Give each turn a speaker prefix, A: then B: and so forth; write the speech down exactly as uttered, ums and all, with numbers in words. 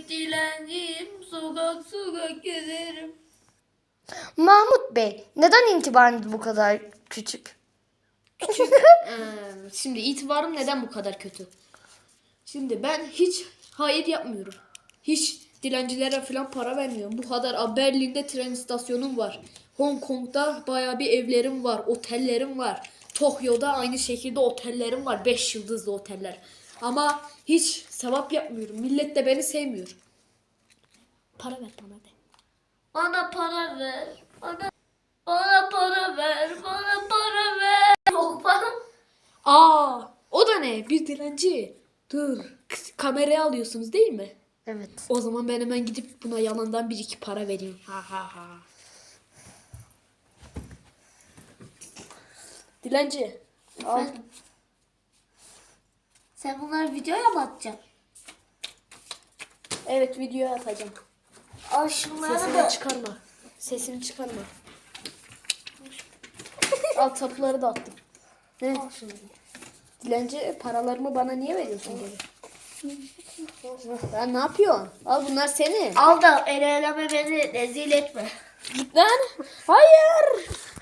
A: dilenciyim, sokak sokak gezerim.
B: Mahmut Bey, neden itibarınız bu kadar küçük?
C: Ee, şimdi itibarım neden bu kadar kötü? Şimdi ben hiç hayır yapmıyorum. Hiç dilencilere falan para vermiyorum. Bu kadar. Aa, Berlin'de tren istasyonum var. Hong Kong'da bayağı bir evlerim var. Otellerim var. Tokyo'da aynı şekilde otellerim var. Beş yıldızlı oteller. Ama hiç sevap yapmıyorum. Millet de beni sevmiyor. Para ver bana de.
A: Bana para ver, bana, bana para ver, bana para ver. Yok bana.
C: Aa, o da ne? Bir dilenci. Dur. K- Kameraya alıyorsunuz değil mi?
B: Evet.
C: O zaman ben hemen gidip buna yalandan bir iki para vereyim. Ha ha ha. Dilenci. Al.
A: Efendim? Sen bunları videoya mı atacaksın?
C: Evet, videoya atacağım.
A: Al şunları
C: Sesini
A: da.
C: çıkarma. Sesini çıkarma. Al, tapuları da attım. Ne?
A: Al şunu.
C: Dilenci, paralarımı bana niye veriyorsun geri? Ya ne yapıyorsun? Al, bunlar senin.
A: Al da el eleme beni rezil etme.
C: Git lan. Hayır.